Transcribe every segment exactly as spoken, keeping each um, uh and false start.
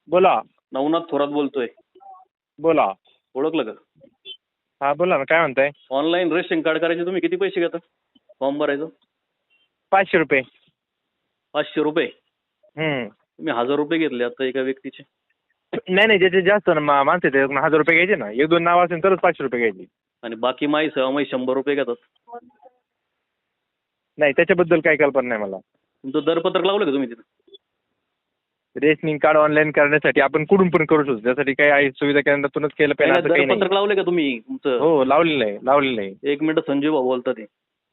बोला. नवनाथ थोरात बोलतोय. बोला. ओळखलं का? हा बोला ना, काय म्हणताय? ऑनलाईन रेशन कार्ड करायचे तुम्ही किती पैसे घेता फॉर्म भरायचं? पाचशे रुपये. पाचशे रुपये हम्म. तुम्ही हजार रुपये घेतले आता एका व्यक्तीचे. नाही नाही, ज्याचे जास्त ना मा- माणसं आहेत, हजार रुपये घ्यायचे ना. एक दोन नाव असेल तरच पाचशे रुपये घ्यायचे. आणि बाकी माई सहमाई शंभर रुपये घेतात. नाही, त्याच्याबद्दल काही कल्पना नाही मला. तुमचं दरपत्रक लावलं का तुम्ही तिथं? रेशनिंग कार्ड ऑनलाईन करण्यासाठी आपण कुठून पण करू शकतो. त्यासाठी काही आहे सुविधा केंद्रातूनच केलं पाहिजे नाही, असं काही दरपत्रक नाही. लावले का तुम्ही तुमचं? हो, लावलेलं आहे लावलेलं आहे. एक मिनिट, संजीव भाऊ बोलतात ते.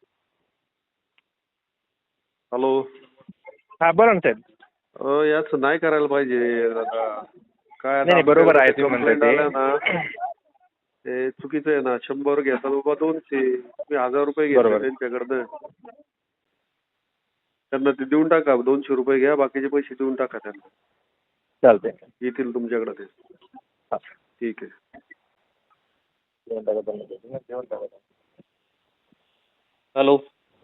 हॅलो. हा बोला ना साहेब. अ, याचं नाही करायला पाहिजे दादा. काय नाही नाही, बरोबर आहे तुम्ही म्हणताय complaint आल्या ते. ना, ते चुकीचं आहे ना. शंभर घेतात बाबा दोनशे, तुम्ही हजार रुपये घेतले बरोबर. त्यांच्याकडनं. त्यांना ते देऊन टाका, दोनशे रुपये घ्या, बाकीचे पैसे देऊन टाका त्यांना. चालतंय. येतील तुमच्याकडे ते. हा. ठीक आहे. हॅलो.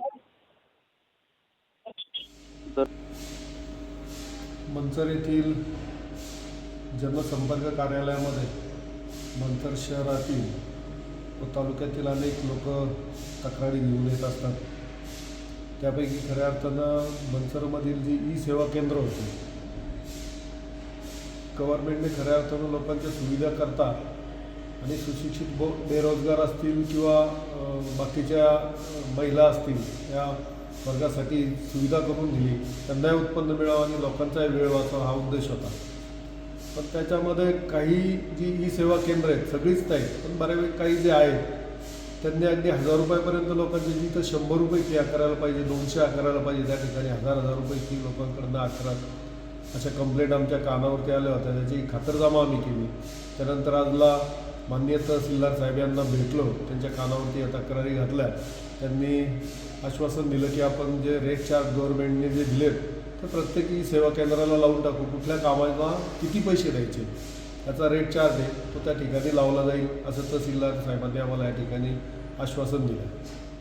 मंचर येथील जनसंपर्क कार्यालयामध्ये मंचर शहरातील व तालुक्यातील अनेक लोक तक्रारी घेऊन येत असतात. त्यापैकी खऱ्या अर्थानं मंचरमधील जी ई सेवा केंद्र होते, गव्हर्नमेंटने खऱ्या अर्थानं लोकांच्या सुविधाकरता आणि सुशिक्षित बो बेरोजगार असतील किंवा अ, बाकीच्या महिला असतील या वर्गासाठी सुविधा करून दिली, त्यांनाही उत्पन्न मिळावं आणि लोकांचाही वेळ वाचावा हा उद्देश होता. पण त्याच्यामध्ये काही जी ई सेवा केंद्र आहेत, सगळीच नाही पण बऱ्यापैकी काही जे आहेत त्यांनी अगदी हजार रुपयापर्यंत लोकांची जिथं शंभर रुपये फी आकारायला पाहिजे, दोनशे आकारायला पाहिजे, त्या ठिकाणी हजार हजार रुपये फी लोकांकडनं आकारत अशा कंप्लेंट आमच्या कानावरती आल्या होत्या. त्याची खातरजमा आम्ही केली. त्यानंतर आजला माननीय तहसीलदार साहेब यांना भेटलो, त्यांच्या कानावरती या तक्रारी घातल्या. त्यांनी आश्वासन दिलं की आपण जे रेट चार्ज गव्हर्नमेंटने जे दिलेत तर प्रत्येकी सेवा केंद्राला लावून टाकू. कुठल्या कामाला किती पैसे द्यायचे याचा रेट चार्ज आहे तो त्या ठिकाणी लावला जाईल असं तहसीलदार साहेबांनी आम्हाला या ठिकाणी आश्वासन दिलं.